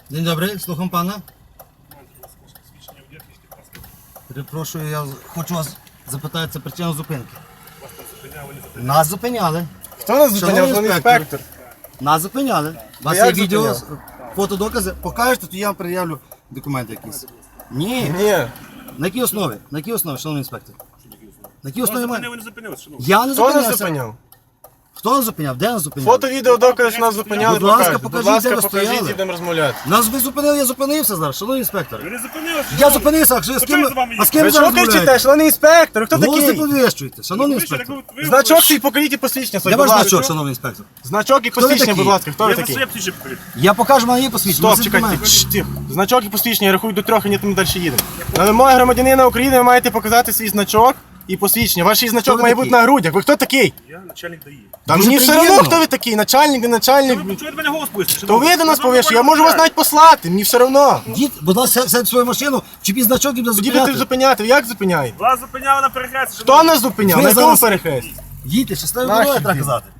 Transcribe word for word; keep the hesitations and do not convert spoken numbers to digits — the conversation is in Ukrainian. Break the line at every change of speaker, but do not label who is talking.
День добрий, слухам пана. Перепрошую, я хочу вас запитати, це причина зупинки. Нас зупиняли.
Хто нас зупиняв?
Шановний
Вон
інспектор.
інспектор.
Нас зупиняли. У вас
як
є відео,
зупиняв?
фотодокази. Покажете, то я вам пред'явлю документи якісь. Ні.
Ні.
На якій основі? На якій основі, шановний інспектор? На якій основі має?
Ви не зупинилися, шановні.
Я не
Хто нас
зупинявся.
зупиняв?
Хто нас зупиняв? Де нас зупиняв?
Фото, відео, доказ, що нас зупиняли,
Будь ласка,
покажіть. Будь
покажіть, де
ласка,
ви
покажіть,
стояли.
ідемо розмовляти.
Нас ви зупинили, я зупинився зараз, шановний інспектор.
Ви не зупинилися,
Я
шановні.
зупинився, а з
Та
ким,
що з вами
а з
є?
ким
Ви
ви
що
зараз
кричите,
розмовляєте?
шановний інспектор? Хто
Голос не
такий?
повіщуєте, шановний
Ви ще
інспектор.
так ви- ви-
Значок свій покажіть і посвідчення своє,
Де
будь
ваш
ласка.
значок, шановний інспектор?
Значок і
ви
посвідчення,
такий?
будь ласка. Хто ви
Я
такий?
своє птіче покажу.
Я покажу мені посвідчення.
Стоп,
це
чекайте,
документи.
Шш, тихо. Значок і посвідчення, я рахую до трьох, і ні, ми далі їдемо. На вимоги громадянина України ви маєте показати свій значок і посвідчення. Ваш значок
ви
має
такий?
бути на грудях. Ви хто такий?
Я начальник ДАІ.
Та
Дуже
мені все одно,
приємно.
хто ви такий, начальник, не начальник.
Ви чуєте мене голос пустите?
То ви до нас повішли, я можу вас навіть послати, мені все одно.
Дід, будь ласка, сядь в свою машину, чіпіть значок і буде
Тоді будете
зупиняти.
зупиняти, ви як зупиняєте?
Вас зупиняли на перехресті.
Хто нас зупиняв?
Ви
На якому
зараз-
перехресті?
Їдьте, щасливо
Наші
дороги, треба
діти.
казати.